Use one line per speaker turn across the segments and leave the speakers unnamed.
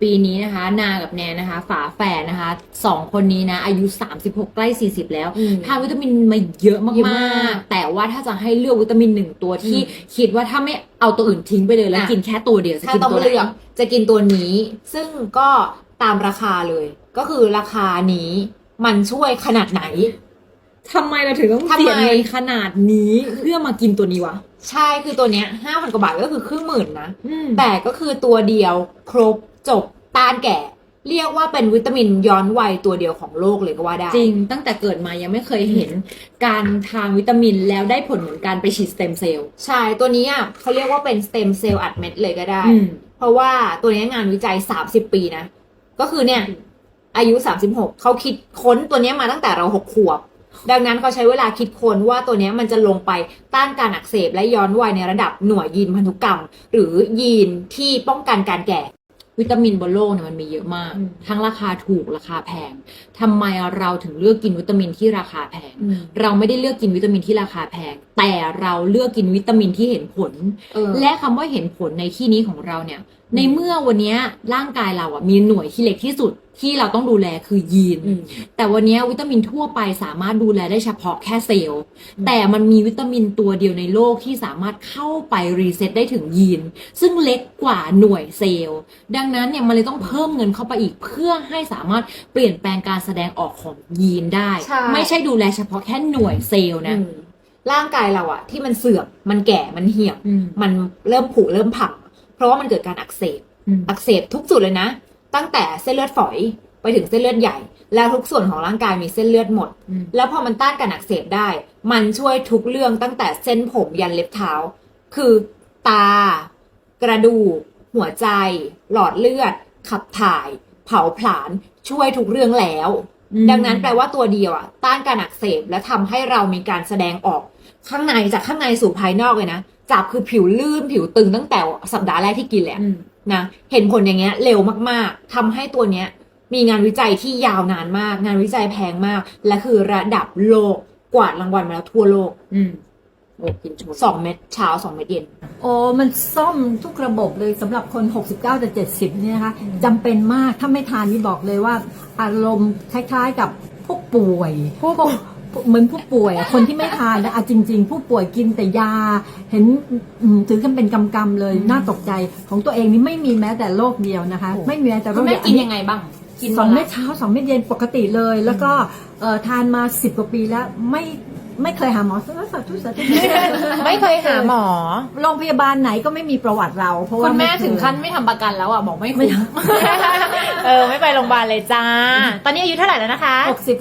ปีนี้นะคะนากับแนนนะคะฝาแฝดนะคะ2คนนี้นะอายุ36ใกล้40แล้วทานวิตามินมาเยอะมากๆแต่ว่าถ้าจะให้เลือกวิตามิน1ตัวที่คิดว่าถ้าไม่เอาตัวอื่นทิ้งไปเลยแล้วกินแค่ตัวเดียวจะกินตัวไหน
จะกินตัวนี้ซึ่งก็ตามราคาเลยก็คือราคานี้มันช่วยขนาดไหน
ทำไมเราถึงต้องเสียเงินขนาดนี้เพื่อมากินตัวนี้วะ
ใช่คือตัวเนี้ย 5,000 กว่าบาทก็คือ10,000นะแต่ก็คือตัวเดียวครบจบต้านแก่เรียกว่าเป็นวิตามินย้อนวัยตัวเดียวของโลกเลยก็ว่าได้
จริงตั้งแต่เกิดมายังไม่เคยเห็นการทานวิตามินแล้วได้ผลเหมือนการไปฉีดสเต็มเซลล์
ใช่ตัวนี้อ่ะเขาเรียกว่าเป็นสเต็มเซลล์อัดเม็ดเลยก็ได้เพราะว่าตัวนี้งานวิจัย30 ปีนะก็คือเนี่ยอายุ36เขาคิดค้นตัวนี้มาตั้งแต่เรา6 ขวบดังนั้นเขาใช้เวลาคิดค้นว่าตัวนี้มันจะลงไปต้านการอักเสบและย้อนวัยในระดับหน่วยยีนพันธุกรรมหรือยีนที่ป้องกันการแก่
วิตามินบนโลกเนี่ยมันมีเยอะมากทั้งราคาถูกราคาแพงทำไมเราถึงเลือกกินวิตามินที่ราคาแพงเราไม่ได้เลือกกินวิตามินที่ราคาแพงแต่เราเลือกกินวิตามินที่เห็นผลและคำว่าเห็นผลในที่นี้ของเราเนี่ยในเมื่อวันนี้ร่างกายเราอ่ะมีหน่วยที่เล็กที่สุดที่เราต้องดูแลคือยีนแต่วันนี้วิตามินทั่วไปสามารถดูแลได้เฉพาะแค่เซลล์แต่มันมีวิตามินตัวเดียวในโลกที่สามารถเข้าไปรีเซ็ตได้ถึงยีนซึ่งเล็กกว่าหน่วยเซลล์ดังนั้นเนี่ยมันเลยต้องเพิ่มเงินเข้าไปอีกเพื่อให้สามารถเปลี่ยนแปลงการแสดงออกของยีนได้ไม่ใช่ดูแลเฉพาะแค่หน่วยเซลล์นะ
ร่างกายเราอะที่มันเสื่อมมันแก่มันเหี่ยวมันเริ่มผุเริ่มผังเพราะว่ามันเกิดการอักเสบทุกจุดเลยนะตั้งแต่เส้นเลือดฝอยไปถึงเส้นเลือดใหญ่แล้วทุกส่วนของร่างกายมีเส้นเลือดหมดแล้วพอมันต้านการอักเสบได้มันช่วยทุกเรื่องตั้งแต่เส้นผมยันเล็บเท้าคือตากระดูกหัวใจหลอดเลือดขับถ่ายเผาผลาญช่วยทุกเรื่องแล้วดังนั้นแปลว่าตัวเดียวอะต้านการอักเสบและทำให้เรามีการแสดงออกข้างในจากข้างในสู่ภายนอกเลยนะจับคือผิวลื่นผิวตึงตั้งแต่สัปดาห์แรกที่กินแหละนะเห็นผลอย่างเงี้ยเร็วมากๆทำให้ตัวเนี้ยมีงานวิจัยที่ยาวนานมากงานวิจัยแพงมากและคือระดับโลกกวาดรางวัลมาแล้วทั่วโลก
โอ้กิน
2 เม็ดเช้า2 เม็ดเย็น
โอ้มันซ่อมทุกระบบเลยสำหรับคน69แต่70เนี่ยนะคะจำเป็นมากถ้าไม่ทานนี่บอกเลยว่าอารมณ์คล้ายๆกับผู้ป่วยเหมือนผู้ป่วยคนที่ไม่ทานนะจริงๆผู้ป่วยกินแต่ยาเห็นถือกันเป็นกำเลยน่าตกใจของตัวเองนี่ไม่มีแม้แต่โรคเดียวนะคะไม่มีแม้แต่โรคเดียว
กินยังไงบ้าง
กิน2 เม็ดเช้า2 เม็ดเย็นปกติเลยแล้วก็ทานมา10 กว่าปีแล้วไม่เคยหาหมอสาธุ
ไม่เคยหาหมอ
โรงพยาบาลไหนก็ไม่มีประวัติเราเพราะว่า
คุณแม่ถึงขั้นไม่ทำประกันแล้วอ่ะบอกไม่คุ้มไม่ไปโรงพยาบาลเลยจ้าตอนนี้อายุเท่าไหร่แล้วนะคะ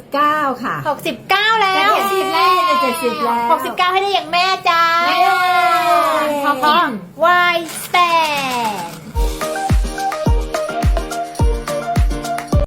69ค่ะ
69แล้ว
70แล้ว
69ให้ได้อย่างแม่จ้าเพราะ Y